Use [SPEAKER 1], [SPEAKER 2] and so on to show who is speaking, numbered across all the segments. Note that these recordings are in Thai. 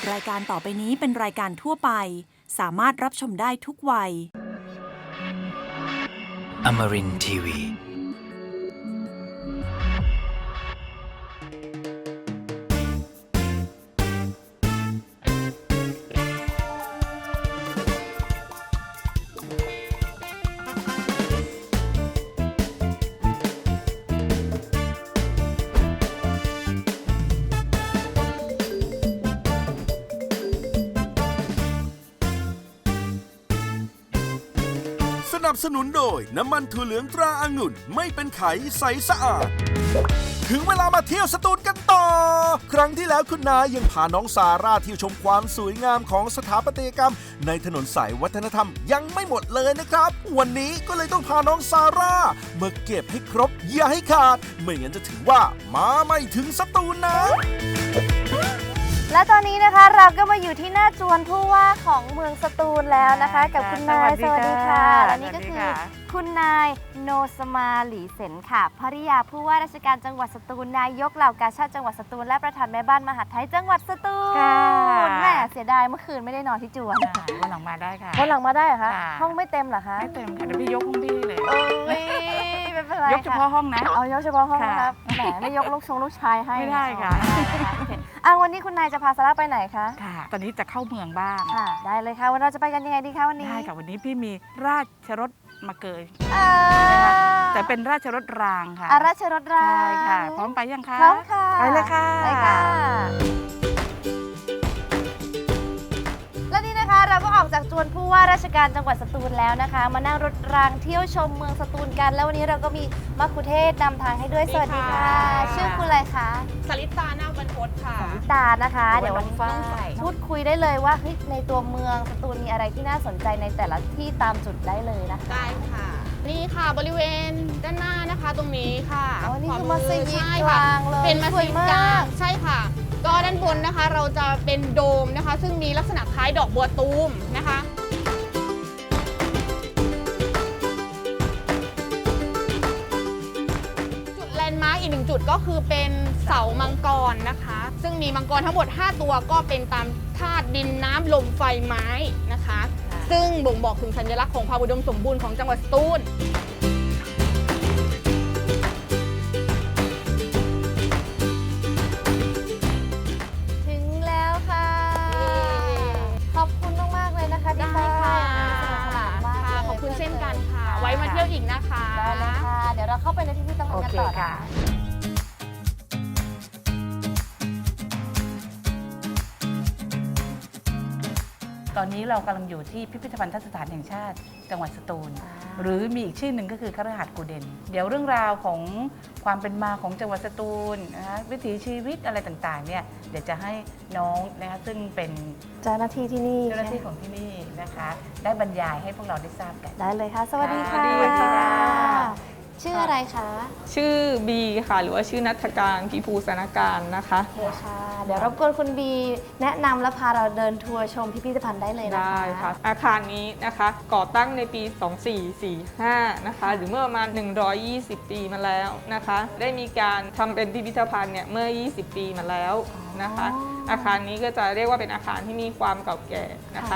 [SPEAKER 1] รายการต่อไปนี้เป็นรายการทั่วไปสามารถรับชมได้ทุกวัย
[SPEAKER 2] Amarin Tiwi.
[SPEAKER 3] สนับสนุนโดยน้ำมันถั่วเหลืองตราองุ่นไม่เป็นไขใสสะอาดถึงเวลามาเที่ยวสตูลกันต่อครั้งที่แล้วคุณนายยังพาน้องซาร่าเที่ยวชมความสวยงามของสถาปัตยกรรมในถนนสายวัฒนธรรมยังไม่หมดเลยนะครับวันนี้ก็เลยต้องพาน้องซาร่ามาเก็บให้ครบอย่าให้ขาดไม่งั้นจะถือว่ามาไม่ถึงสตูลนะ
[SPEAKER 4] และตอนนี้นะคะเราก็มาอยู่ที่หน้าจวนผู้ว่าของเมืองสตูลแล้วนะคะ กับคุณนายสวัสดีค่ะและนี่ก็คือคุณนายโนสมาหลีเซนค่ะภริยาผู้ว่าราชการจังหวัดสตูลนายกเหล่ากาชาติจังหวัดสตูลและประธานแม่บ้านมหาดไทยจังหวัดสตูลแหมเสียดายเมื่อคืนไม่ได้นอนที่จวน
[SPEAKER 5] วันหลังมาได้ค่ะ
[SPEAKER 4] วันหลังมาได้เหรอคะ
[SPEAKER 5] ค่ะ
[SPEAKER 4] ห้องไม่เต็มเหรอคะ
[SPEAKER 5] ไม่เต็มค่ะเดี๋ยวพี่ยกห้องพี่เลย
[SPEAKER 4] โอ้ยไม่เป็นไร
[SPEAKER 5] ยกเฉพาะห้องนะ
[SPEAKER 4] เอายกเฉพาะห้อง
[SPEAKER 5] ค่ะ
[SPEAKER 4] นะครับแหมไม่ยกลูกชายให้
[SPEAKER 5] ไม่ได้ค่ะ
[SPEAKER 4] อ๋อไม่ได้นะคะอ่ะวันนี้คุณนายจะพาซาร่าไปไหนคะ
[SPEAKER 5] ค่ะ ตอนนี้จะเข้าเมืองบ้าง
[SPEAKER 4] ค่ะได้เลยค่ะวันเราจะไปกันยังไงดีคะวันนี้
[SPEAKER 5] ได้ค่ะวันนี้พี่มีราชรถมาเกย
[SPEAKER 4] อ่า
[SPEAKER 5] แต่เป็นราชรถรางค่ะ
[SPEAKER 4] อาราชรถรา
[SPEAKER 5] ใช่
[SPEAKER 4] ง
[SPEAKER 5] ค่ะ พร้อมไปยังคะ
[SPEAKER 4] พร้อมค่ะ
[SPEAKER 5] ไปเลยค่ะ
[SPEAKER 4] ไปค่ะ และนี่นะคะเราก็ออกจากจวนผู้ว่าราชการจังหวัดสตูลแล้วนะคะ มานั่งรถรางเที่ยวชมเมืองสตูลกัน แล้ววันนี้เราก็มีมัคคุเทศก์นำทางให้ด้วยสวัสดีค่ะ ชื่อคุณอะไรคะ
[SPEAKER 6] สลิตานาคบรรพตค่ะ
[SPEAKER 4] ตานะคะ เดี๋ยววันนี้ต้องพูดคุยได้เลยว่าเฮ้ยในตัวเมืองสตูลมีอะไรที่น่าสนใจในแต่ละที่ตามจุดได้เลยนะคะ
[SPEAKER 6] ได้ค่ะ นี่ค่ะบริเวณด้านหน้านะคะตรงนี้ค่ะ
[SPEAKER 4] อ๋อนี่คือ
[SPEAKER 6] ขวา
[SPEAKER 4] มัสยิด
[SPEAKER 6] ใช่
[SPEAKER 4] ก
[SPEAKER 6] ค่ะ
[SPEAKER 4] ลางเลย
[SPEAKER 6] เป็นมัส
[SPEAKER 4] สวย
[SPEAKER 6] ยิด
[SPEAKER 4] มาก
[SPEAKER 6] กลางใช่ค่ะ ก็ด้านบนนะคะเราจะเป็นโดมนะคะ ซึ่งมีลักษณะคล้ายดอกบัวตูมนะคะ จุดแลนด์มาร์กอีกหนึ่งจุดก็คือเป็นเสามังกรนะคะ ซึ่งมีมังกรทั้งหมด 5 ตัวก็เป็นตามธาตุดินน้ำลมไฟไม้นะคะ ซึ่งบ่งบอกถึงสัญลักษณ์ของความอุดมสมบูรณ์ของจังหวัดสตูล
[SPEAKER 4] ถึงแล้วค่ะ ขอบคุณมากๆเลยนะคะที่
[SPEAKER 6] ได้
[SPEAKER 4] ให้
[SPEAKER 6] ค่ะ
[SPEAKER 4] สนุกสนานมาก
[SPEAKER 6] ค่ะ
[SPEAKER 4] เลย
[SPEAKER 6] ขอบคุณเช่นกันค่ะ ไว้มาเที่ยวอีกนะคะ
[SPEAKER 4] ได้เลยค่ะ เดี๋ยวเราเข้าไปในพิพิธภัณฑ์
[SPEAKER 5] โอ
[SPEAKER 4] กัน
[SPEAKER 5] เค
[SPEAKER 4] ต่อนะ
[SPEAKER 5] ค่ะ
[SPEAKER 4] คะ
[SPEAKER 5] ตอนนี้เรากำลังอยู่ที่พิพิธภัณฑสถานแห่งชาติจังหวัดสตูล หรือมีอีกชื่อหนึ่งก็คือคฤหาสน์กูเดน เดี๋ยวเรื่องราวของความเป็นมาของจังหวัดสตูลนะคะวิถีชีวิตอะไรต่างๆเนี่ยเดี๋ยวจะให้น้องนะคะซึ่งเป็น
[SPEAKER 4] เจ้าหน้าที่ที่นี่
[SPEAKER 5] เจ้าหน้าที่ของที่นี่นะคะ ได้บรรยายให้พวกเราได้ทราบกัน
[SPEAKER 4] ได้เลยค่ะ สวัสดีค่ะ
[SPEAKER 5] สวัสดีค่ะ
[SPEAKER 4] ชื่ออะไรคะ
[SPEAKER 7] ชื่อบีค่ะ หรือว่าชื่อนัฐการพิภูสนการนะคะ
[SPEAKER 4] โอเคค่ะ เดี๋ยวรบกวนคุณบีแนะนำและพาเราเดินทัวร์ชมพิพิธภัณฑ์ได้เลยนะคะ
[SPEAKER 7] ได้ค่ะ อาคารนี้นะคะก่อตั้งในปี 2445 นะคะ หรือเมื่อประมาณ 120 ปีมาแล้วนะคะ ได้มีการทำเป็นพิพิธภัณฑ์เนี่ยเมื่อ 20 ปีมาแล้วนะคะ อาคารนี้ก็จะเรียกว่าเป็นอาคารที่มีความเก่าแก่นะคะ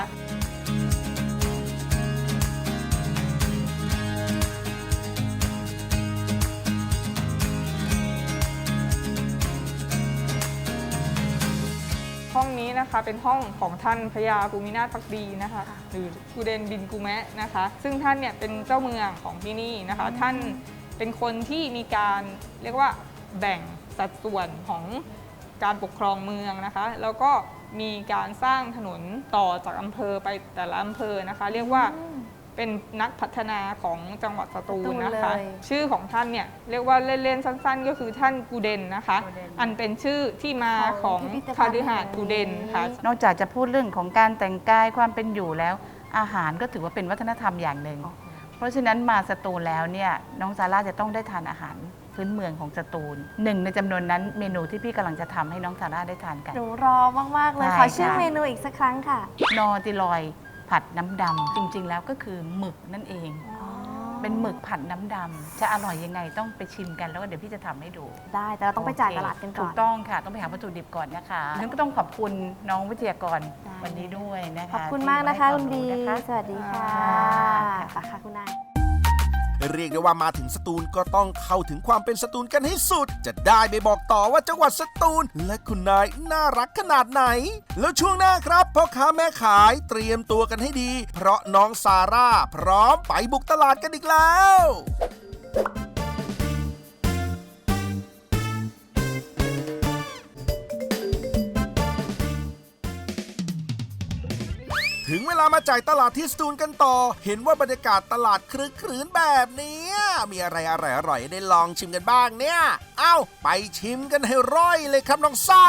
[SPEAKER 7] ห้องนี้นะคะเป็นห้องของท่านพระยาภูมินาถภักดีนะคะหรือกูเดนบินกูแมะนะคะ ซึ่งท่านเนี่ยเป็นเจ้าเมืองของที่นี่นะคะ ท่านเป็นคนที่มีการเรียกว่าแบ่งสัดส่วนของการปกครองเมืองนะคะ แล้วก็มีการสร้างถนนต่อจากอำเภอไปแต่ละอำเภอนะคะ เรียกว่าเป็นนักพัฒนาของจังหวัดสตูลนะคะ ชื่อของท่านเนี่ยเรียกว่าเล่นๆสั้นๆ ก็คือท่านกูเดนนะคะ อันเป็นชื่อที่มาของคฤหาสน์กูเดนค่ะ
[SPEAKER 5] นอกจากจะพูดเรื่องของการแต่งกายความเป็นอยู่แล้ว อาหารก็ถือว่าเป็นวัฒนธรรมอย่างหนึ่ง เพราะฉะนั้นมาสตูลแล้วเนี่ยน้องซาร่าจะต้องได้ทานอาหารพื้นเมืองของสตูลหนึ่งในจำนวนนั้นเมนูที่พี่กำลังจะทำให้น้องซาร่าได้ทานกัน
[SPEAKER 4] หนูรอมากๆเลย
[SPEAKER 5] ได้
[SPEAKER 4] ขอชื่อ
[SPEAKER 5] ค่ะ
[SPEAKER 4] เมนูอีกสักครั้งค่ะ
[SPEAKER 5] นอติลอยผัดน้ำดำจริงๆแล้วก็คือหมึกนั่นเอง
[SPEAKER 4] อ๋อ
[SPEAKER 5] เป็นหมึกผัดน้ำดำจะอร่อยยังไงต้องไปชิมกันแล้วก็เดี๋ยวพี่จะทำให้ดู
[SPEAKER 4] ได้แต่เราต้องไปจ่ายตลาดกันก่
[SPEAKER 5] ถู
[SPEAKER 4] อน
[SPEAKER 5] กต้องค่ะ ต้องไปหาวัตถุดิบก่อนนะคะงั้นก็ต้องขอบคุณน้องวิทยากร
[SPEAKER 4] ได้
[SPEAKER 5] วันนี้ด้วยนะคะ
[SPEAKER 4] ขอบคุณมากนะคะ
[SPEAKER 5] ที่
[SPEAKER 4] คุณบี
[SPEAKER 5] ให้วามรู้นะคะ
[SPEAKER 4] สวัสดีค่ะ
[SPEAKER 5] ค่ะ
[SPEAKER 4] ไปค่ะคุณนาย
[SPEAKER 3] เรียกได้ว่ามาถึงสตูลก็ต้องเข้าถึงความเป็นสตูลกันให้สุด จะได้ไปบอกต่อว่าจังหวัดสตูลและคุณนายน่ารักขนาดไหน แล้วช่วงหน้าครับพ่อค้าแม่ขายเตรียมตัวกันให้ดี เพราะน้องซาร่าพร้อมไปบุกตลาดกันอีกแล้ว ถึงเวลามาจ่ายตลาดที่สตูลกันต่อ เห็นว่าบรรยากาศตลาดครึกครื้นแบบนี้มีอะไรอร่อยๆได้ลองชิมกันบ้างเนี่ย เอ้า ไปชิมกันให้ร่อยเลยครับน้องสาว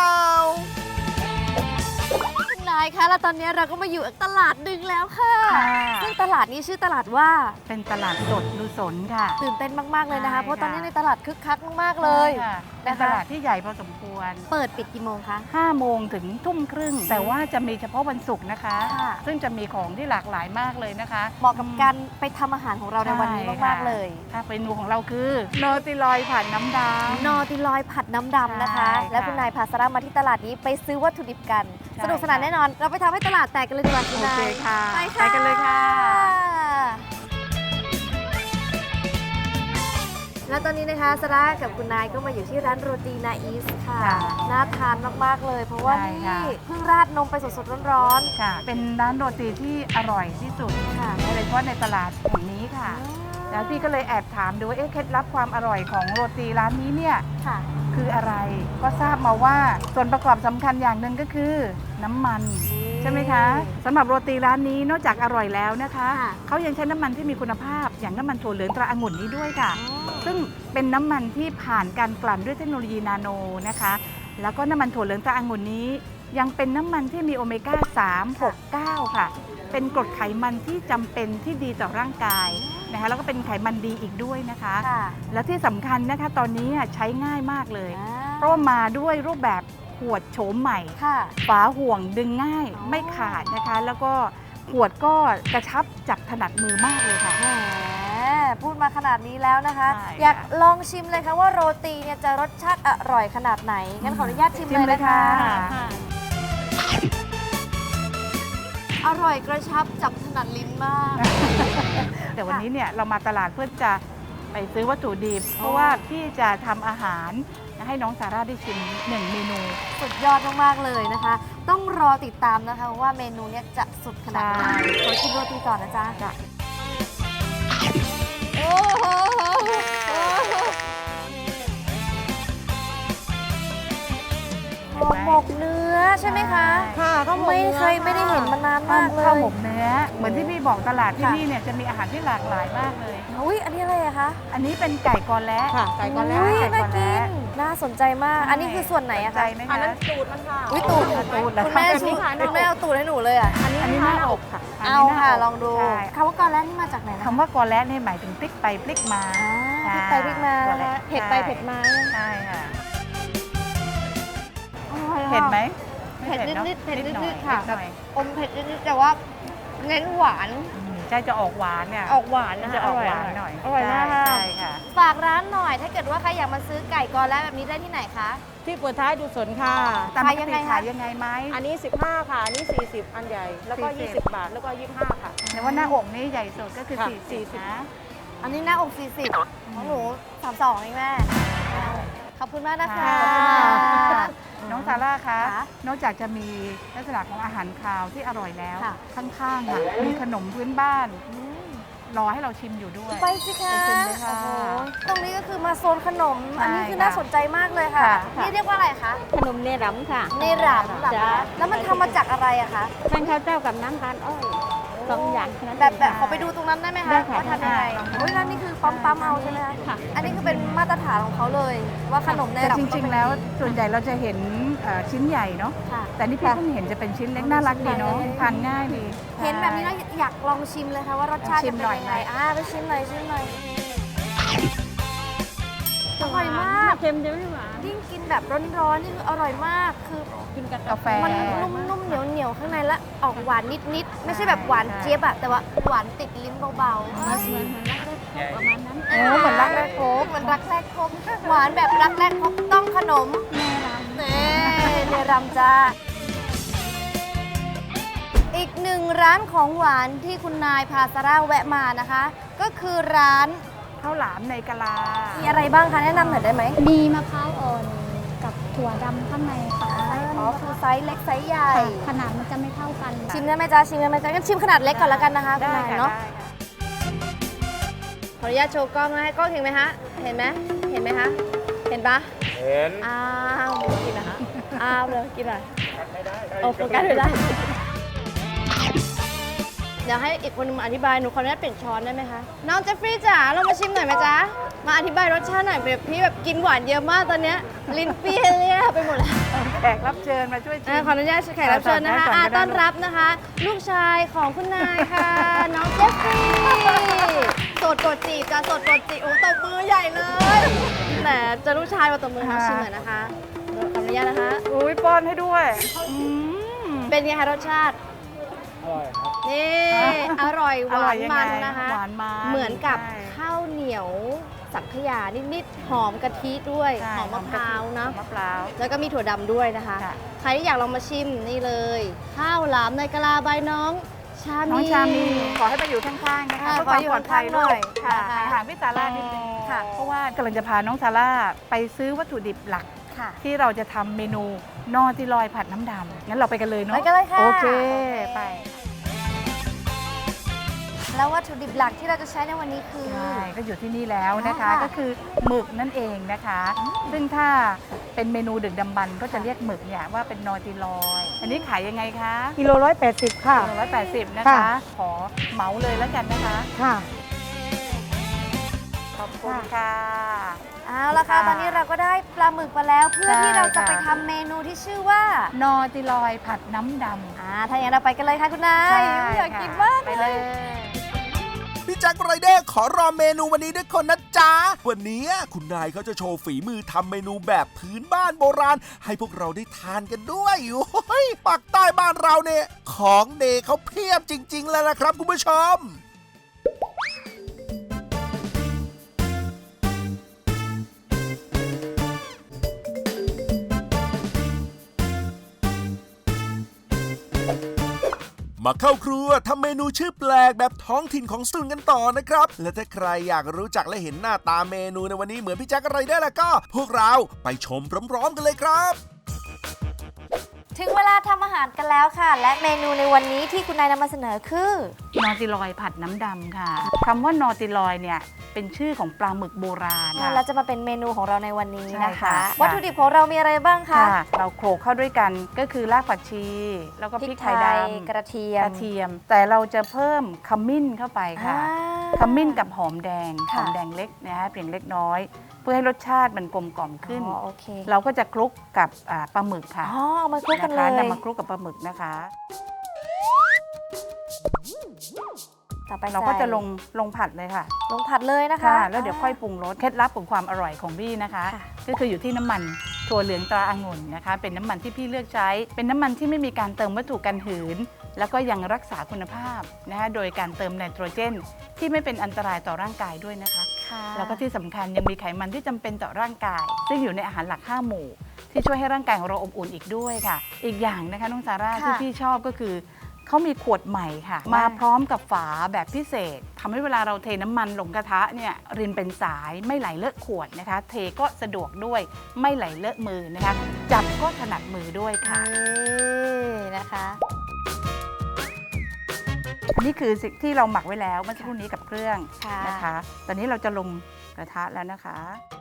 [SPEAKER 4] คุณนายคะแล้วตอนนี้เราก็มาอยู่ตลาดดึงแล้วค่ะ
[SPEAKER 5] ค่ะ
[SPEAKER 4] ซึ่งตลาดนี้ชื่อตลาดว่า
[SPEAKER 5] เป็นตลาดสดดูสนค่ะ
[SPEAKER 4] ตื่นเต้นมากๆเลยนะคะ
[SPEAKER 5] ใช่
[SPEAKER 4] เพราะตอนนี้
[SPEAKER 5] ค่ะ
[SPEAKER 4] ในตลาดคึกคักมากๆเลย
[SPEAKER 5] ค่ะเป็น
[SPEAKER 4] นะคะ
[SPEAKER 5] ตลาดที่ใหญ่พอสมควร
[SPEAKER 4] เปิดปิดกี่โมงคะ
[SPEAKER 5] 5 โมงถึงทุ่มครึ่ง แต่ว่าจะมีเฉพาะวันศุกร์นะคะ
[SPEAKER 4] ค่ะ
[SPEAKER 5] ซึ่งจะมีของที่หลากหลายมากเลยนะคะ
[SPEAKER 4] เหมาะกับการไปทำอาหารของเราในวันนี้มากๆเลย
[SPEAKER 5] ถ้าเมนูของเราคือโนติลอยผัดน้ำดำ
[SPEAKER 4] นอติลอยผัดน้ำดำนะคะ
[SPEAKER 5] ใช่ค่ะ
[SPEAKER 4] และคุณนายพาซาร่ามาที่ตลาดนี้ไปซื้อวัตถุดิบกัน
[SPEAKER 5] ใช่
[SPEAKER 4] สนุกสนานแน่นอน เราไปทำให้ตลาดแตกกันเลยดีกว่าคุณนาย
[SPEAKER 5] โอเคค่ะ
[SPEAKER 4] ไปค่ะ
[SPEAKER 5] ไปกันเลยค่ะ
[SPEAKER 4] และตอนนี้นะคะซาร่ากับคุณนายก็มาอยู่ที่ร้านโรตีนาอีสค่ะ
[SPEAKER 5] ค่ะ
[SPEAKER 4] น่าทานมากๆเลย เพราะว่า
[SPEAKER 5] ใช่
[SPEAKER 4] นี่
[SPEAKER 5] ค่ะ
[SPEAKER 4] เพิ่งราดนมไปสดๆร้อน
[SPEAKER 5] ค่ะ เป็นร้านโรตีที่อร่อยที่สุด
[SPEAKER 4] ๆค่ะ
[SPEAKER 5] โดยเฉพาะในตลาดแห่งนี้ค่ะ แล้วพี่ก็เลยแอบถามดูว่าเคล็ดลับความอร่อยของโรตีร้านนี้เนี่ย
[SPEAKER 4] ค่ะ
[SPEAKER 5] คืออะไร ก็ทราบมาว่าส่วนประกอบสำคัญอย่างหนึ่งก็คือน้ำมัน ใช่ไหมคะสำหรับโรตีร้านนี้นอกจากอร่อยแล้วนะคะ
[SPEAKER 4] ค่ะ
[SPEAKER 5] เขายังใช้น้ำมันที่มีคุณภาพ อย่างน้ำมันถั่วเหลืองตราองุ่นนี้ด้วยค่ะ ซึ่งเป็นน้ำมันที่ผ่านการกลั่นด้วยเทคโนโลยีนาโนนะคะ แล้วก็น้ำมันถั่วเหลืองตราองุ่นนี้ ยังเป็นน้ำมันที่มีโอเมก้า 3 6 9 ค่ะ เป็นกรดไขมันที่จำเป็นที่ดีต่อร่างกายนะคะ แล้วก็เป็นไขมันดีอีกด้วยนะคะ
[SPEAKER 4] ค่ะ
[SPEAKER 5] แล้วที่สำคัญนะคะตอนนี้ใช้ง่ายมากเลย
[SPEAKER 4] อ่า
[SPEAKER 5] เพราะว่ามาด้วยรูปแบบขวดโฉมใหม่
[SPEAKER 4] ค่ะ
[SPEAKER 5] ฝาห่วงดึงง่ายไม่ขาดนะคะ แล้วก็ขวดก็กระชับจับถนัดมือมากเลยค่ะ
[SPEAKER 4] แหมพูดมาขนาดนี้แล้วนะคะ
[SPEAKER 5] ใช่ค่ะ
[SPEAKER 4] อยากลองชิมเลยค่ะว่าโรตีเนี่ยจะรสชาติอร่อยขนาดไหน งั้นขออนุญาตชิมเลยนะคะ อร่อยกระชับจับถนัดลิ้นมาก
[SPEAKER 5] แต่วันนี้เนี่ยเรามาตลาดเพื่อจะไปซื้อวัตถุดิบ เพราะว่าพี่จะทำอาหารให้น้องซาร่าได้ชิม1 เมนู
[SPEAKER 4] สุดยอดมากๆเลยนะคะ ต้องรอติดตามนะคะว่าเมนูเนี้ยจะสุดขนาดไหน
[SPEAKER 5] ใช่
[SPEAKER 4] ขอชิมโรตีก่อนนะจ๊ะ
[SPEAKER 5] จ้ะ
[SPEAKER 4] โอ้โหห่อหมกเนื้อใช่ไหมคะ
[SPEAKER 6] ค่ะก็
[SPEAKER 4] ไม่ได้เห็นมานานมากเลย
[SPEAKER 5] ข้าวหมกเนื้อ เหมือนที่พี่บอกตลาดที่
[SPEAKER 4] ค่ะ
[SPEAKER 5] นี่เนี่ยจะมีอาหารที่หลากหลายมากเลย
[SPEAKER 4] อุ้ยอันนี้อะไรอะคะ
[SPEAKER 5] อันนี้เป็นไก่กอและ
[SPEAKER 6] ค่ะไก่ก็แล้ว
[SPEAKER 4] อุ้ย
[SPEAKER 5] ไก่
[SPEAKER 4] น่า
[SPEAKER 5] ก่อน
[SPEAKER 4] กิ
[SPEAKER 5] แล้ว
[SPEAKER 4] น น่าสนใจมาก อันนี้คือส่วนไหนอะ
[SPEAKER 5] ใจ
[SPEAKER 4] คะ
[SPEAKER 5] ไหม
[SPEAKER 6] อัน
[SPEAKER 5] คะ
[SPEAKER 6] นั้นตูดมันค่ะ
[SPEAKER 4] อุ้ยตูด
[SPEAKER 5] ตูดเหรอ
[SPEAKER 4] คุณแม่
[SPEAKER 6] แบบ
[SPEAKER 4] ชู
[SPEAKER 6] นี้ค่ะ
[SPEAKER 4] คุณแม่เอาตูดให้หนูเลยอะ
[SPEAKER 5] อันนี้หน้าอกค่ะ
[SPEAKER 4] เอา
[SPEAKER 5] นนี้หน้
[SPEAKER 4] ค่ะ
[SPEAKER 5] ก
[SPEAKER 4] ลองดู
[SPEAKER 5] ใช่
[SPEAKER 4] คำว่ากอแล้วนี่มาจากไหนนะ
[SPEAKER 5] คำว่ากอและเนี่ยหมายถึงพลิกไปพลิกมา
[SPEAKER 4] อ่าพริกไปพริกมา
[SPEAKER 5] ค่ะ
[SPEAKER 4] นะคะเผ็ดไปเผ็ดมา
[SPEAKER 5] ใช่ค่ะ
[SPEAKER 4] อร่อยอะ
[SPEAKER 5] เผ็ดไหม
[SPEAKER 4] เผ็ด
[SPEAKER 5] ไม่
[SPEAKER 4] นิดๆเผ็ด
[SPEAKER 5] ห
[SPEAKER 4] นิ
[SPEAKER 5] น่อย
[SPEAKER 4] ดๆค่ะ
[SPEAKER 5] นิดหน่อย
[SPEAKER 4] อมเผ็ดนิดๆแต่ว่าเน้นหวาน
[SPEAKER 5] ใช่จะออกหวานเนี่ย
[SPEAKER 4] ออกหวานนะ
[SPEAKER 5] จะ
[SPEAKER 4] คะ
[SPEAKER 5] ออกหวานหน่อย
[SPEAKER 4] อร่อยมากค่ะ
[SPEAKER 5] ใช่ค่ะ
[SPEAKER 4] ฝากร้านหน่อย ถ้าเกิดว่าใครอยากมาซื้อไก่กอแล้วแบบนี้ได้ที่ไหนคะ
[SPEAKER 6] ที่เปิดท้ายดูสนค่ะ
[SPEAKER 5] ตามป
[SPEAKER 4] ขาย
[SPEAKER 5] ก
[SPEAKER 4] ยัง
[SPEAKER 5] ติ
[SPEAKER 4] ไงคะ
[SPEAKER 5] ขายยังไงไหม
[SPEAKER 6] อันนี้ 15 ค่ะ อันนี้ 40 อันใหญ่ แล้วก็
[SPEAKER 5] 40
[SPEAKER 6] 20 บาท แล้วก็ 25 ค่ะ
[SPEAKER 5] แต่ว่าหน้าอกนี่ใหญ่สุดก็คือ
[SPEAKER 6] ค่ะ
[SPEAKER 5] 40นะ
[SPEAKER 4] อันนี้หน้าอก 40ของหนู 32เองแม่ ขอบคุณมากนะคะ
[SPEAKER 5] ค่ะ น้องซาร่าคะ
[SPEAKER 4] ค่ะ
[SPEAKER 5] นอกจากจะมีลักษณะของอาหารคาวที่อร่อยแล้ว
[SPEAKER 4] ค่ะ
[SPEAKER 5] ข้างๆค่ะมีขนมพื้นบ้าน
[SPEAKER 4] อืม
[SPEAKER 5] รอให้เราชิมอยู่ด้วย
[SPEAKER 4] ไปสิคะ
[SPEAKER 5] ไปชิมเลยค่ะ
[SPEAKER 4] โอ้โหตรงนี้ก็คือมาโซนขนม
[SPEAKER 5] ใช่
[SPEAKER 4] อันนี้คือ
[SPEAKER 5] ค่ะ
[SPEAKER 4] น่าสนใจมากเลยค่ะ
[SPEAKER 5] ค่ะ
[SPEAKER 4] นี่เรียกว่าอะไรคะ
[SPEAKER 2] ขนมเนรำค่ะ
[SPEAKER 4] เนรำเหรอ
[SPEAKER 2] จ้ะ
[SPEAKER 4] คะแล้วมันทำมาจากอะไรอะคะ
[SPEAKER 2] แป้งข้าวเจ้ากับน้ำตาลอ้อยสองอย่างนั้น
[SPEAKER 4] แบบขอไปดูตรงนั้นได้ไหมคะ
[SPEAKER 2] ได้ค่ะ
[SPEAKER 4] ว่าทำยังไง
[SPEAKER 5] ได้ค่ะ
[SPEAKER 4] โอ้ยแล้วนี่คือปั๊มเอาใช่ไหมคะ
[SPEAKER 2] ค่ะ
[SPEAKER 4] อันนี้คือเป็นมาตรฐานของเขาเลย ว่าขนมเน
[SPEAKER 5] แต่
[SPEAKER 4] รำ
[SPEAKER 5] จ
[SPEAKER 4] ต้อง
[SPEAKER 5] ริง
[SPEAKER 4] เป็น
[SPEAKER 5] ๆ แล้ว
[SPEAKER 4] อย่างนี้
[SPEAKER 5] ส่วนใหญ่เราจะเห็นชิ้นใหญ่เนาะ
[SPEAKER 4] ค่ะ
[SPEAKER 5] แต่นี่พี่เพิ่งเห็นจะเป็นชิ้นเล็กน่ารักดีเนาะทานง่ายดี
[SPEAKER 4] เห็นแบบนี้แล้วอยากลองชิมเลยค่ะว่ารสชาติ
[SPEAKER 5] ชิ
[SPEAKER 4] จะ
[SPEAKER 5] ม
[SPEAKER 4] เป็น
[SPEAKER 5] หน่อย
[SPEAKER 4] ยัง
[SPEAKER 5] ไหม
[SPEAKER 4] ไงไปชิมหน่อยชิมหน่อยอร่อยมาก
[SPEAKER 2] เค็มจะไม่หวาน
[SPEAKER 4] ยิ่งกินแบบร้อนๆนี่คืออร่อยมาก คือ
[SPEAKER 2] กินกับ
[SPEAKER 5] กาแฟ
[SPEAKER 4] มันนุ่มๆเหนียวๆข้างในและออกหวานนิดๆไม่ใช่แบบหวานเจี๊ยบอะแต่ว่าหวานติดลิ้นเบาๆ
[SPEAKER 2] เหมือนประมาณนั้น
[SPEAKER 4] โอ้เหมือนรักแรกพบเหมือนรักแรกพบหวานแบบรักแรกพบต้องขนม
[SPEAKER 2] แม่รำ
[SPEAKER 4] เนรำจ้าอีกหนึ่งร้านของหวานที่คุณนายพาซาร่าแวะมานะคะ ก็คือร้าน
[SPEAKER 5] ข้าวหลามในกะลา
[SPEAKER 4] มีอะไรบ้างคะแนะนำหน่อยได้ไหม
[SPEAKER 2] มีมะพร้าวอ่อนกับถั่วดำข้างในค่ะ
[SPEAKER 4] อ๋อคือไซส์เล็กไซส์ใหญ่
[SPEAKER 2] ขนาดมันจะไม่เท่ากัน
[SPEAKER 4] ชิมได้ไหมจ๊ะชิมได้ไหมจ๊ะงั้นชิมขนาดเล็กก่อนแล้วกันนะคะคุณ
[SPEAKER 5] ได้
[SPEAKER 4] นาย
[SPEAKER 5] ค่ะ
[SPEAKER 4] เนาะ
[SPEAKER 5] ได้ค่ะ
[SPEAKER 4] ขออนุญาตโชว์กล้องนะให้กล้องเห็นไหมฮะเห็นไหมเห็นไหมคะเห็นปะ
[SPEAKER 3] เห็น
[SPEAKER 4] อ้าวกินนะคะอ้าวเลยกินอะไรโอ้โฟกัสไม่ได้ เดี๋ยวให้อีกคนนึงมาอธิบาย หนูขออนุญาตเปลี่ยนช้อนได้ไหมคะ น้องเจฟฟรีย์จ๋าเรามาชิมหน่อยไหมจ๊ะ มาอธิบายรสชาติหน่อยแบบพี่แบบกินหวานเยอะมากตอนเนี้ยลิ้นเปรี้ยเนี่ยไปหมดแล้ว
[SPEAKER 5] แขกรับเชิญมาช่วยชิม
[SPEAKER 4] ขออนุญาตแขกรับเชิญนะคะ
[SPEAKER 5] ก่อนก็ได้
[SPEAKER 4] ต้อนรับนะคะ ลูกชายของคุณนายค่ะ น้องเจฟฟรีย์โสดกดจีบจ้ะโสดกดจีบโอ้ตบมือใหญ่เลยแต่จะลูกชายมาตบมือมาชิมหน่อยนะคะขออนุญาตนะคะ
[SPEAKER 5] อุ้ยป้อนให้ด้วย
[SPEAKER 4] เป็นไงคะรสชาติ
[SPEAKER 3] อร่อยครับ
[SPEAKER 4] นี่อร่อยห
[SPEAKER 5] อ
[SPEAKER 4] วา
[SPEAKER 5] ร่อย
[SPEAKER 4] น
[SPEAKER 5] ยัง
[SPEAKER 4] มัน
[SPEAKER 5] ไง
[SPEAKER 4] นะคะ
[SPEAKER 5] หวานมัน
[SPEAKER 4] เหมือนกับ
[SPEAKER 5] ใช่
[SPEAKER 4] ข้าวเหนียวสังขยานิดๆหอมกะทิด้วย
[SPEAKER 5] ใช่
[SPEAKER 4] หอมมะพร้าวเนาะ
[SPEAKER 5] หอมมะพร้าว
[SPEAKER 4] แล้วก็มีถั่วดำด้วยนะคะ
[SPEAKER 5] ค่ะ
[SPEAKER 4] ใครที่อยากลองมาชิมนี่เลย ข้าวหลามในกะลาใบน้องชามี
[SPEAKER 5] น้องชามีขอให้มาอยู่ข้างๆนะคะ
[SPEAKER 4] ค่ะ
[SPEAKER 5] เพื่อความปลอดภัย
[SPEAKER 4] ขออยู่ข้างๆหน่
[SPEAKER 5] ด้ว
[SPEAKER 4] อย ย
[SPEAKER 5] ค่ะ
[SPEAKER 4] ค่ะ
[SPEAKER 5] ห่างๆพี่ซาร่านิดนึง
[SPEAKER 4] ค่ะ
[SPEAKER 5] เพราะว่ากำลังจะพาน้องซาร่าไปซื้อวัตถุดิบหลัก
[SPEAKER 4] ค่ะ
[SPEAKER 5] ที่เราจะทำเมนูนอติลอยผัดน้ำดำงั้นเราไปกันเลยเนาะ
[SPEAKER 4] ไปกันเลยค่ะ
[SPEAKER 5] โอเคไป
[SPEAKER 4] แล้ววัตถุดิบหลักที่เราจะใช้ในวันนี้คือ
[SPEAKER 5] ใช่ก็อยู่ที่นี่แล้วนะคะ
[SPEAKER 4] ค่ะ
[SPEAKER 5] ก็คือหมึกนั่นเองนะคะ ซึ่งถ้าเป็นเมนูดึกดำบรรพ์ก็จะเรียกหมึกเนี่ยว่าเป็นนอติลอย อันนี้ขายยังไงคะ
[SPEAKER 8] กิโล180 ค่ะ
[SPEAKER 5] 180 นะคะ
[SPEAKER 8] ค่ะ
[SPEAKER 5] ขอเหมาเลยแล้วกันนะคะ
[SPEAKER 8] ค่ะ
[SPEAKER 5] ขอบคุณค่ะ
[SPEAKER 4] เอาละค่ะ
[SPEAKER 5] ค่ะ
[SPEAKER 4] ตอนนี้เราก็ได้ปลาหมึกมาแล้ว เพื่อ
[SPEAKER 5] ใช่
[SPEAKER 4] ที่เราจะ
[SPEAKER 5] ค่ะ
[SPEAKER 4] ไปทำเมนูที่ชื่อว่า
[SPEAKER 5] นอติลอยผัดน้ำดำ
[SPEAKER 4] ถ้าอย่างนั้นเราไปกันเลยค่ะคุณนาย
[SPEAKER 5] ใช่
[SPEAKER 4] อยากกินมาก
[SPEAKER 5] ไป
[SPEAKER 4] เล
[SPEAKER 5] เลย ย
[SPEAKER 3] พี่แจ็คไรเดอร์ขอรอเมนูวันนี้ด้วยคนนะจ๊ะ วันนี้คุณนายเขาจะโชว์ฝีมือทำเมนูแบบพื้นบ้านโบราณ ให้พวกเราได้ทานกันด้วยโอ้ยปากใต้บ้านเราเนี่ย ของเดเขาเพียบจริงๆแล้วนะครับคุณผู้ชม มาเข้าครัวทำเมนูชื่อแปลกแบบท้องถิ่นของสตูลกันต่อนะครับ และถ้าใครอยากรู้จักและเห็นหน้าตาเมนูในวันนี้เหมือนพี่แจ็คอะไรได้แล้วก็ พวกเราไปชมพร้อมๆกันเลยครับ
[SPEAKER 4] ถึงเวลาทำอาหารกันแล้วค่ะ และเมนูในวันนี้ที่คุณนายนำมาเสนอคือน
[SPEAKER 5] อติลอยผัดน้ำดำค่ะคำว่านอติลอยเนี่ยเป็นชื่อของปลาหมึกโบราณค่ะ
[SPEAKER 4] แล้วจะมาเป็นเมนูของเราในวันนี้นะ
[SPEAKER 5] ใช่
[SPEAKER 4] คะ
[SPEAKER 5] ค่ะ
[SPEAKER 4] วัตถุดิบของเรามีอะไรบ้างคะ
[SPEAKER 5] ค่ะ เราโขลกเข้าด้วยกันก็คือรากผักชี แล้วก็พริกไทยดำ
[SPEAKER 4] กระเทียม
[SPEAKER 5] กระเทียม แต่เราจะเพิ่มขมิ้นเข้าไปค่ะ ขมิ้นกับหอมแดง
[SPEAKER 4] ค่ะ
[SPEAKER 5] หอมแดงเล็กนะฮะเพียงเล็กน้อย เพื่อให้รสชาติมันกลมกล่อมขึ้น
[SPEAKER 4] อ๋อโอเค
[SPEAKER 5] เราก็จะคลุกกับปลาหมึกค่ะ
[SPEAKER 4] อ๋อเอามาคลุกกัน
[SPEAKER 5] นะ
[SPEAKER 4] เล
[SPEAKER 5] คะ
[SPEAKER 4] ย
[SPEAKER 5] นำมาคลุกกับปลาหมึกนะคะ
[SPEAKER 4] ต่อไป
[SPEAKER 5] เราก็จะ
[SPEAKER 4] ใส่
[SPEAKER 5] ลงผัดเลยค่ะ
[SPEAKER 4] ลงผัดเลยนะคะ
[SPEAKER 5] ค่ะ แล้วเดี๋ยวค่อยปรุงรสเคล็ดลับของความอร่อยของพี่นะคะ
[SPEAKER 4] ค่ะ
[SPEAKER 5] ก็คืออยู่ที่น้ำมันถั่วเหลืองตราองุ่นนะคะ เป็นน้ำมันที่พี่เลือกใช้ เป็นน้ำมันที่ไม่มีการเติมวัตถุกันหืน แล้วก็ยังรักษาคุณภาพนะคะโดยการเติมไนโตรเจน ที่ไม่เป็นอันตรายต่อร่างกายด้วยนะคะ
[SPEAKER 4] ค่ะ
[SPEAKER 5] แล้วก็ที่สำคัญยังมีไขมันที่จำเป็นต่อร่างกาย ซึ่งอยู่ในอาหารหลัก 5 หมู่ ที่ช่วยให้ร่างกายของเราอบอุ่นอีกด้วยค่ะ อีกอย่างนะคะน้องซาร่าที่พี่ชอบก็คือเขามีขวดใหม่ค่ะ มาพร้อมกับฝาแบบพิเศษทำให้เวลาเราเทน้ำมันลงกระทะเนี่ยรินเป็นสายไม่ไหลเลอะขวดนะคะ เทก็สะดวกด้วยไม่ไหลเลอะมือนะคะ จับก็ถนัดมือด้วยค่ะ
[SPEAKER 4] นี่นะคะ
[SPEAKER 5] อันนี้คือสิ่งที่เราหมักไว้แล้วเมื่อสักครู่นี้กับเครื่อง
[SPEAKER 4] ค่ะ
[SPEAKER 5] นะคะ ตอนนี้เราจะลงกระทะแล้วนะคะ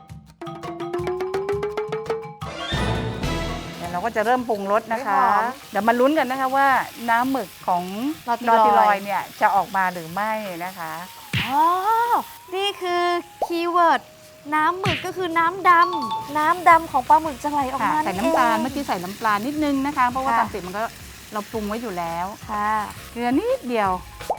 [SPEAKER 5] เดี๋ยวเราก็จะเริ่มปรุงรสนะคะ
[SPEAKER 4] หอม
[SPEAKER 5] เดี๋ยวมาลุ้นกันนะคะว่าน้ำหมึกของ
[SPEAKER 4] นอติลอย
[SPEAKER 5] เนี่ยจะออกมาหรือไม่นะคะ
[SPEAKER 4] อ๋อ นี่คือคีย์เวิร์ดน้ำหมึกก็คือน้ำดำน้ำดำของปลาหมึกจะไหลออก
[SPEAKER 5] ค่ะ
[SPEAKER 4] มา
[SPEAKER 5] ใส่น้ำตาล
[SPEAKER 4] ง
[SPEAKER 5] เมื่อกี้ใส่น้ำปลานิดนึงนะคะ เพราะว่า
[SPEAKER 4] ค่ะ
[SPEAKER 5] ตามติดมันก็เราปรุงไว้อยู่แล้ว
[SPEAKER 4] ค่ะ
[SPEAKER 5] เกลือนิดเดียว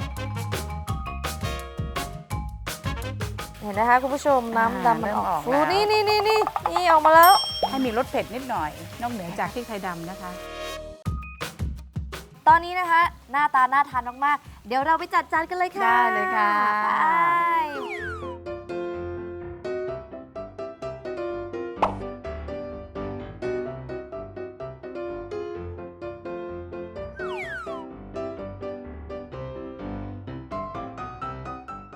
[SPEAKER 4] เห็นนะคะคุณผู้ชมน้ำดำมันออก
[SPEAKER 5] เริ่มออก
[SPEAKER 4] ฟู
[SPEAKER 5] แล้ว
[SPEAKER 4] นี่ออกมาแล้ว
[SPEAKER 5] ให้มีรสเผ็ดนิดหน่อย นอกเหนือจากพริกไทยดำนะคะ
[SPEAKER 4] ตอนนี้นะคะ หน้าตาน่าทานมากๆ เดี๋ยวเราไปจัดจานกันเลยค่ะ
[SPEAKER 5] ได้เลยค่ะ
[SPEAKER 4] ไป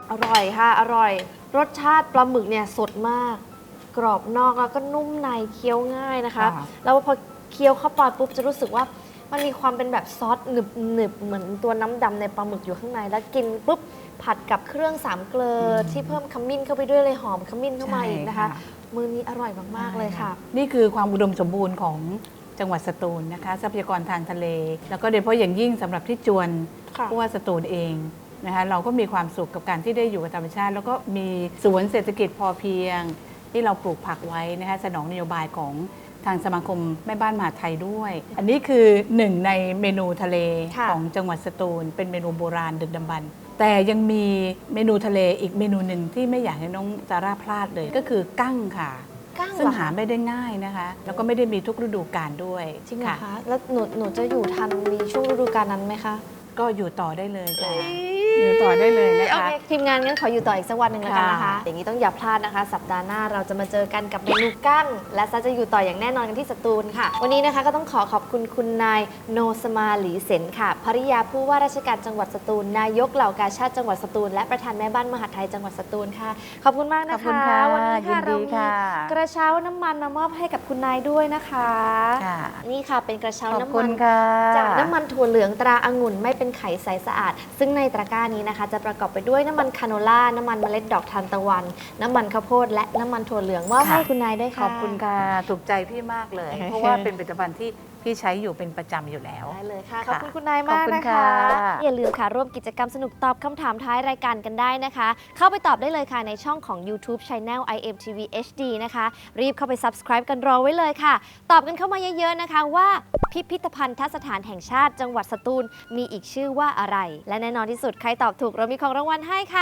[SPEAKER 4] อร่อยค่ะ อร่อย รสชาติปลาหมึกเนี่ยสดมาก กรอบนอกแล้วก็นุ่มในเคี้ยวง่ายนะคะ
[SPEAKER 5] ค่ะ
[SPEAKER 4] แล้วพอเคี้ยวเข้าไปปุ๊บจะรู้สึกว่ามันมีความเป็นแบบซอสหนึบๆเหมือนตัวน้ำดำในปลาหมึกอยู่ข้างในแล้วกินปุ๊บผัดกับเครื่องสามเกลอที่เพิ่มขมิ้นเข้าไปด้วยเลยหอมขมิ้นเข้ามาอีกนะคะ มื้อนี้อร่อยมากๆเลยค่ะ
[SPEAKER 5] นี่คือความอุดมสมบูรณ์ของจังหวัดสตูลนะคะทรัพยากรทางทะเล แล้วก็โดยเฉพาะอย่างยิ่งสำหรับที่จวน
[SPEAKER 4] ค่ะ
[SPEAKER 5] ผู้ว่าสตูลเองนะคะเราก็มีความสุขกับการที่ได้อยู่กับธรรมชาติ แล้วก็มีสวนเศรษฐกิจพอเพียง ที่เราปลูกผักไว้นะคะสนองนโยบายของทางสมาคมแม่บ้านมหาดไทยด้วย อันนี้คือหนึ่งในเมนูทะเล
[SPEAKER 4] ค่ะ
[SPEAKER 5] ของจังหวัดสตูล เป็นเมนูโบราณดึกดำบรรพ์แต่ยังมีเมนูทะเลอีกเมนูหนึ่งที่ไม่อยากให้น้องซาร่าพลาดเลย ก็คือกั้งค่ะ
[SPEAKER 4] กั้ง
[SPEAKER 5] ซึ่ง
[SPEAKER 4] เหรอ
[SPEAKER 5] หา
[SPEAKER 4] คะ
[SPEAKER 5] ไม่ได้ง่ายนะคะ แล้วก็ไม่ได้มีทุกฤดูกาลด้วย
[SPEAKER 4] จริงเหรอคะ แล้วหนูจะอยู่ทันมีช่วงฤดูกาลนั้นไหมคะ
[SPEAKER 5] ก็อยู่ต่อได้เลยค่ะอยู่ต่อได้เลยนะ
[SPEAKER 4] โอ
[SPEAKER 5] คะ
[SPEAKER 4] เคทีมงานงั้นขออยู่ต่ออีกสักวันหนึ่งแล้วกันนะคะ
[SPEAKER 5] ค่ะ
[SPEAKER 4] อย่างนี้ต้องอย่าพลาดนะคะ สัปดาห์หน้าเราจะมาเจอกันกับเมนูกั้ง และซะจะอยู่ต่ออย่างแน่นอนกันที่สตูลค่ะ วันนี้นะคะก็ต้องขอขอบคุณคุณนายโนสมาหลีเซนค่ะภริยาผู้ว่าราชการจังหวัดสตูล นายกเหล่ากาชาติจังหวัดสตูล และประธานแม่บ้านมหาดไทยจังหวัดสตูลค่ะ ขอบคุณมากนะคะ
[SPEAKER 5] ขอบคุณค่ะ
[SPEAKER 4] วันนี้
[SPEAKER 5] ยิ
[SPEAKER 4] ค่ะ
[SPEAKER 5] นดี
[SPEAKER 4] เรามี
[SPEAKER 5] ค่ะ
[SPEAKER 4] กระเช้าน้ำมันมามอบให้กับคุณนายด้วยนะคะ
[SPEAKER 5] ค่ะ
[SPEAKER 4] นี่ค่ะเป็นกระเช้า
[SPEAKER 5] ขอบ
[SPEAKER 4] น้ำ
[SPEAKER 5] คุ
[SPEAKER 4] มั
[SPEAKER 5] ณ
[SPEAKER 4] น
[SPEAKER 5] ค่ะ
[SPEAKER 4] จากน้ำมันถั่วเหลืองตราองุ่นไม่เป็นไขใสสะอาด ซึ่งในตะกร้านี้นะคะ จะประกอบไปด้วยน้ำมันคาโนล่า น้ำมันเมล็ดดอกทานตะวัน น้ำมันข้าวโพดและน้ำมันถั่วเหลืองมอบให้คุณนายด้วย
[SPEAKER 5] ข
[SPEAKER 4] ค่ะ
[SPEAKER 5] อบคุณค่ะ ถูกใจพี่มากเลย เพราะว่าเป็นผลิตภัณฑ์ที่พี่ใช้อยู่เป็นประจำอยู่แล้ว
[SPEAKER 4] ได้เลยค่ะ ข
[SPEAKER 5] ค่ะ
[SPEAKER 4] อบคุณคุณนายมาก
[SPEAKER 5] ขอบคุณ
[SPEAKER 4] นะคะ
[SPEAKER 5] ค่ะ
[SPEAKER 4] อย่าลืมค่ะร่วมกิจกรรมสนุกตอบคำถามท้ายรายการกันได้นะคะ เข้าไปตอบได้เลยค่ะในช่องของ YouTube Channel IMTV HD นะคะ รีบเข้าไป subscribe กันรอไว้เลยค่ะ ตอบกันเข้ามาเยอะๆนะคะว่าพิพิธภัณฑสถานแห่งชาติจังหวัดสตูลมีอีกชื่อว่าอะไร และแน่นอนที่สุดใครตอบถูกเรามีของรางวัลให้ค่ะ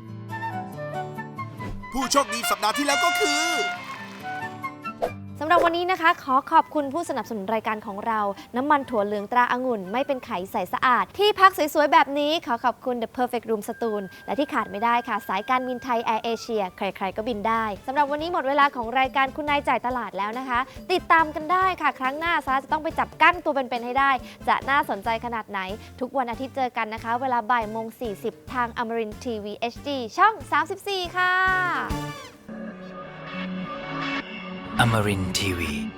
[SPEAKER 3] ผู้โชคดีสัปดาห์ที่แล้วก็คือ
[SPEAKER 4] สำหรับวันนี้นะคะ ขอขอบคุณผู้สนับสนุนรายการของเรา น้ำมันถั่วเหลืองตราองุ่นไม่เป็นไขใสสะอาด ที่พักสวยๆ แบบนี้ขอขอบคุณ The Perfect Room สตูล และที่ขาดไม่ได้ค่ะ สายการบินไทยแอร์เอเชียใครๆก็บินได้สำหรับวันนี้หมดเวลาของรายการคุณนายจ่ายตลาดแล้วนะคะ ติดตามกันได้ค่ะ ครั้งหน้าซาร่าจะต้องไปจับกั้งตัวเป็นๆให้ได้ จะน่าสนใจขนาดไหน ทุกวันอาทิตย์เจอกันนะคะ เวลาบ่ายโมง 40 ทางอมรินทีวี HD ช่อง 34 ค่ะ
[SPEAKER 8] Amarin Tiwi.